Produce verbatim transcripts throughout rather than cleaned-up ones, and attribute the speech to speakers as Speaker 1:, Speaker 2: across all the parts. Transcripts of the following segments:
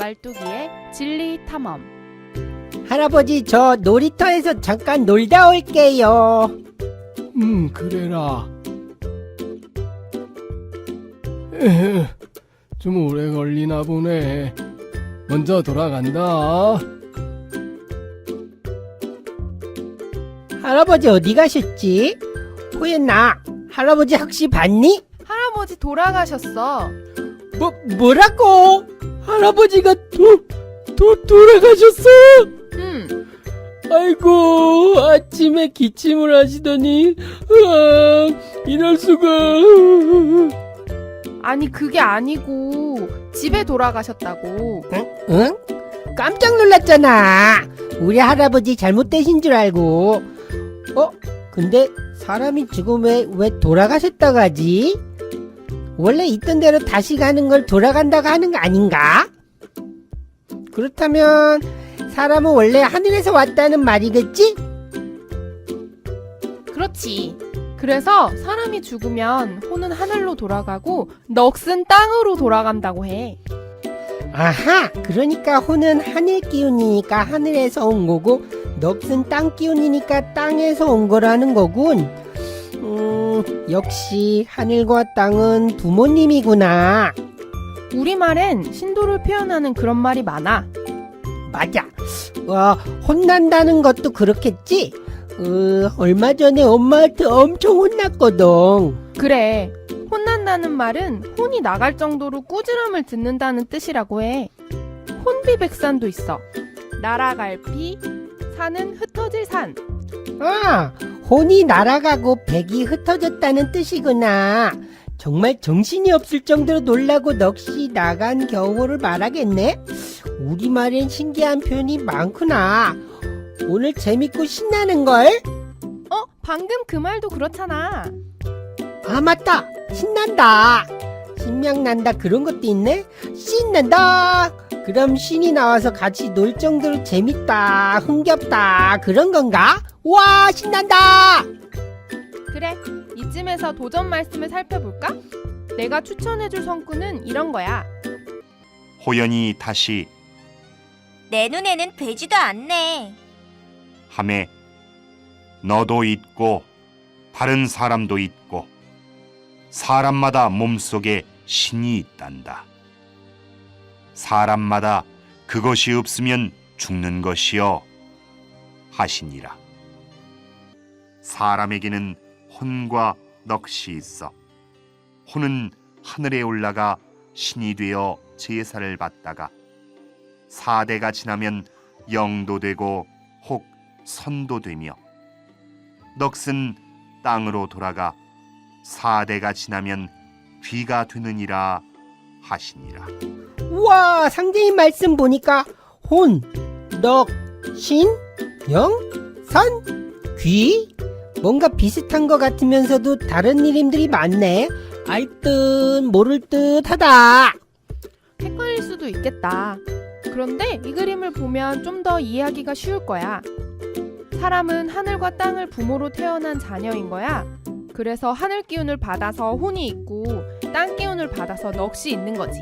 Speaker 1: 말뚝이의 진리 탐험.
Speaker 2: 할아버지, 저 놀이터에서 잠깐 놀다 올게요.
Speaker 3: 음, 그래라. 에헤, 좀 오래 걸리나 보네. 먼저 돌아간다.
Speaker 2: 할아버지 어디 가셨지? 호연아, 할아버지 혹시 봤니?
Speaker 1: 할아버지 돌아가셨어.
Speaker 2: 뭐, 뭐라고? 할아버지가 도, 도, 돌아가셨어?
Speaker 1: 응.
Speaker 2: 아이고, 아침에 기침을 하시더니, 으아, 이럴 수가.
Speaker 1: 아니 그게 아니고 집에 돌아가셨다고.
Speaker 2: 응? 응? 깜짝 놀랐잖아. 우리 할아버지 잘못되신 줄 알고. 어? 근데 사람이 죽으면 왜 돌아가셨다고 하지? 원래 있던 대로 다시 가는 걸 돌아간다고 하는 거 아닌가? 그렇다면 사람은 원래 하늘에서 왔다는 말이겠지?
Speaker 1: 그렇지. 그래서 사람이 죽으면 혼은 하늘로 돌아가고 넋은 땅으로 돌아간다고 해.
Speaker 2: 아하, 그러니까 혼은 하늘 기운이니까 하늘에서 온 거고 넋은 땅 기운이니까 땅에서 온 거라는 거군. 음, 역시 하늘과 땅은 부모님이구나.
Speaker 1: 우리말엔 신도를 표현하는 그런 말이 많아.
Speaker 2: 맞아. 와, 혼난다는 것도 그렇겠지? 어, 얼마 전에 엄마한테 엄청 혼났거든.
Speaker 1: 그래. 혼난다는 말은 혼이 나갈 정도로 꾸지람을 듣는다는 뜻이라고 해. 혼비백산도 있어. 날아갈 피, 산은 흩어질 산.
Speaker 2: 아, 혼이 날아가고 백이 흩어졌다는 뜻이구나. 정말 정신이 없을 정도로 놀라고 넋이 나간 경우를 말하겠네. 우리말엔 신기한 표현이 많구나. 오늘 재밌고 신나는걸?
Speaker 1: 어? 방금 그 말도 그렇잖아.
Speaker 2: 아, 맞다. 신난다. 신명난다 그런 것도 있네. 신난다. 그럼 신이 나와서 같이 놀 정도로 재밌다, 흥겹다 그런 건가? 와, 신난다.
Speaker 1: 그래. 이쯤에서 도전 말씀을 살펴볼까? 내가 추천해줄 성구는 이런 거야.
Speaker 4: 호연이 다시
Speaker 5: 내 눈에는 되지도 않네.
Speaker 4: 하매 너도 있고 다른 사람도 있고 사람마다 몸속에 신이 있단다. 사람마다 그것이 없으면 죽는 것이요 하시니라. 사람에게는 혼과 넋이 있어 혼은 하늘에 올라가 신이 되어 제사를 받다가 사대가 지나면 영도 되고 혹 선도 되며 넋은 땅으로 돌아가 사대가 지나면 귀가 되느니라 하시니라.
Speaker 2: 우와, 상대인 말씀 보니까 혼, 넋, 신, 영, 선, 귀 뭔가 비슷한 것 같으면서도 다른 이름들이 많네. 알 듯 모를 듯 하다.
Speaker 1: 헷갈릴 수도 있겠다. 그런데 이 그림을 보면 좀 더 이해하기가 쉬울 거야. 사람은 하늘과 땅을 부모로 태어난 자녀인 거야. 그래서 하늘 기운을 받아서 혼이 있고 땅 기운을 받아서 넋이 있는 거지.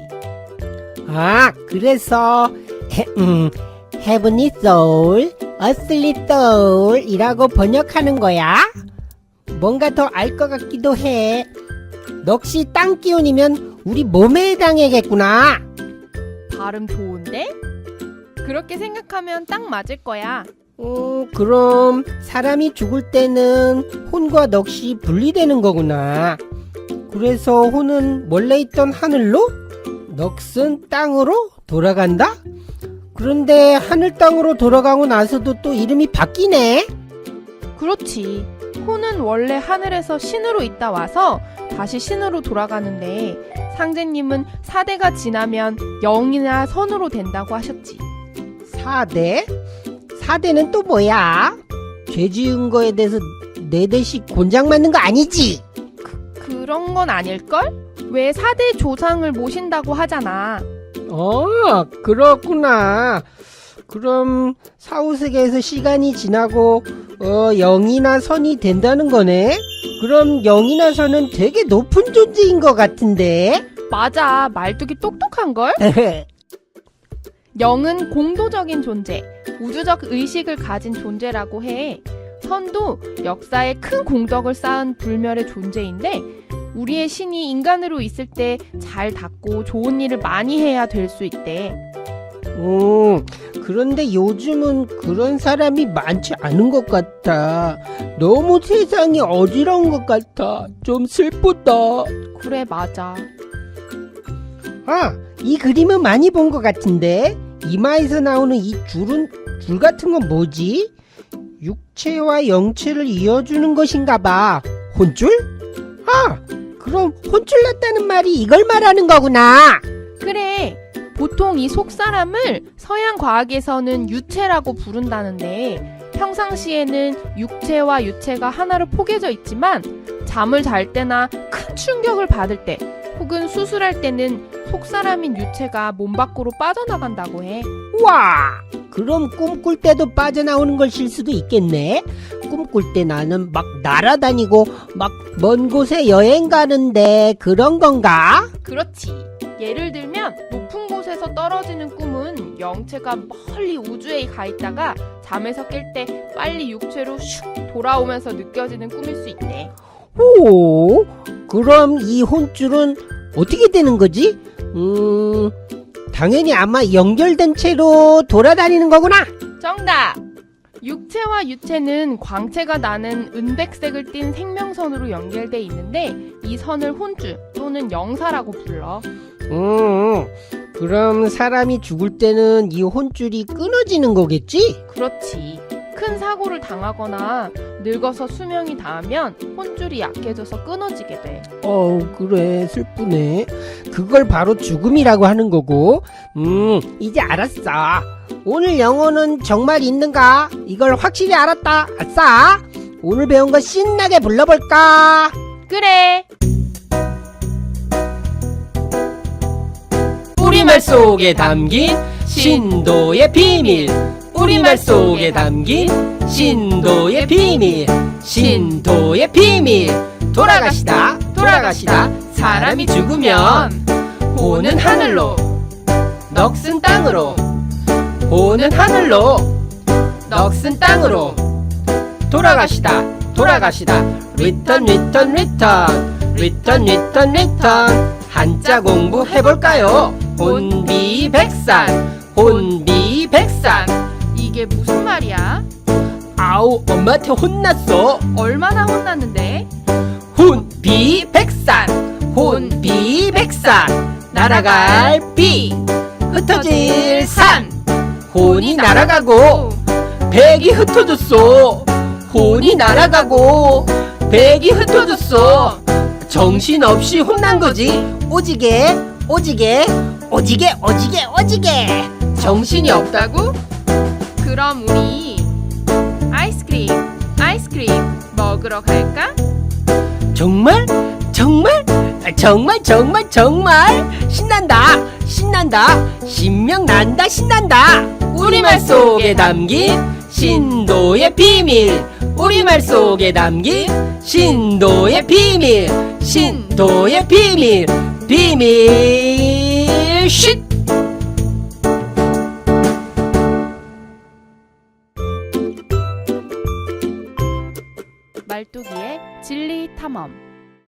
Speaker 2: 아, 그래서 해, 음, Heavenly Soul, Earthly Soul 이라고 번역하는 거야? 뭔가 더 알 것 같기도 해. 넋이 땅 기운이면 우리 몸에 해당하겠구나.
Speaker 1: 발음 좋은데? 그렇게 생각하면 딱 맞을 거야.
Speaker 2: 어, 그럼 사람이 죽을 때는 혼과 넋이 분리되는 거구나. 그래서 혼은 원래 있던 하늘로, 넋은 땅으로 돌아간다? 그런데 하늘 땅으로 돌아가고 나서도 또 이름이 바뀌네?
Speaker 1: 그렇지. 혼은 원래 하늘에서 신으로 있다 와서 다시 신으로 돌아가는데 상제님은 사대가 지나면 영이나 선으로 된다고 하셨지.
Speaker 2: 사대? 사대는 또 뭐야? 죄 지은 거에 대해서 네 대씩 곤장 맞는 거 아니지?
Speaker 1: 그런 건 아닐걸? 왜 사대 조상을 모신다고 하잖아.
Speaker 2: 어, 그렇구나. 그럼 사후세계에서 시간이 지나고 어, 영이나 선이 된다는 거네? 그럼 영이나 선은 되게 높은 존재인 것 같은데?
Speaker 1: 맞아. 말뚝이 똑똑한걸? 영은 공도적인 존재, 우주적 의식을 가진 존재라고 해. 선도 역사에 큰 공덕을 쌓은 불멸의 존재인데 우리의 신이 인간으로 있을 때 잘 닦고 좋은 일을 많이 해야 될 수 있대.
Speaker 2: 음, 그런데 요즘은 그런 사람이 많지 않은 것 같아. 너무 세상이 어지러운 것 같아. 좀 슬프다.
Speaker 1: 그래, 맞아.
Speaker 2: 아, 이 그림은 많이 본 것 같은데? 이마에서 나오는 이 줄은, 줄 같은 건 뭐지? 육체와 영체를 이어주는 것인가 봐. 혼줄? 아, 그럼 혼줄 났다는 말이 이걸 말하는 거구나.
Speaker 1: 그래, 보통 이 속사람을 서양 과학에서는 유체라고 부른다는데 평상시에는 육체와 유체가 하나로 포개져 있지만 잠을 잘 때나 큰 충격을 받을 때 혹은 수술할 때는 속사람인 유체가 몸 밖으로 빠져나간다고 해.
Speaker 2: 와, 그럼 꿈꿀 때도 빠져나오는 것일 수도 있겠네. 꿈꿀 때 나는 막 날아다니고 막 먼 곳에 여행 가는데 그런 건가?
Speaker 1: 그렇지. 예를 들면 높은 곳에서 떨어지는 꿈은 영체가 멀리 우주에 가 있다가 잠에서 깰 때 빨리 육체로 슉 돌아오면서 느껴지는 꿈일 수 있대.
Speaker 2: 오, 그럼 이 혼줄은 어떻게 되는 거지? 음, 당연히 아마 연결된 채로 돌아다니는 거구나.
Speaker 1: 정답! 육체와 유체는 광채가 나는 은백색을 띤 생명선으로 연결돼 있는데 이 선을 혼줄 또는 영사라고 불러.
Speaker 2: 음, 그럼 사람이 죽을 때는 이 혼줄이 끊어지는 거겠지?
Speaker 1: 그렇지. 큰 사고를 당하거나 늙어서 수명이 닿으면 혼줄이 약해져서 끊어지게 돼.
Speaker 2: 어우, 그래, 슬프네. 그걸 바로 죽음이라고 하는 거고. 음, 이제 알았어. 오늘 영어는 정말 있는가? 이걸 확실히 알았다. 아싸! 오늘 배운 거 신나게 불러볼까?
Speaker 1: 그래!
Speaker 2: 우리말 속에 담긴 신도의 비밀. 우리말 속에 담긴 신도의 비밀. 신도의 비밀. 돌아가시다 돌아가시다 사람이 죽으면 호는 하늘로, 넋은 땅으로. 호는 하늘로, 넋은 땅으로. 돌아가시다 돌아가시다 리턴 리턴 리턴 리턴 리턴 리턴. 한자 공부해볼까요? 혼비백산 혼비백산.
Speaker 1: 이게 무슨 말이야?
Speaker 2: 아우, 엄마한테 혼났어.
Speaker 1: 얼마나 혼났는데?
Speaker 2: 혼비백산 혼비백산. 날아갈 비, 흩어질 산. 혼이 날아가고 백이 흩어졌어. 혼이 날아가고 백이 흩어졌어. 정신없이 혼난 거지. 오지게 오지게 오지게 오지게 오지게. 정신이 없다고?
Speaker 1: 그럼 우리 아이스크림, 아이스크림 먹으러 갈까?
Speaker 2: 정말? 정말? 정말 정말 정말 신난다 신난다 신명난다 신난다. 우리말 속에 담긴 신도의 비밀. 우리말 속에 담긴 신도의 비밀. 신도의 비밀. 비밀 쉿.
Speaker 1: 말뚝이의 진리 탐험.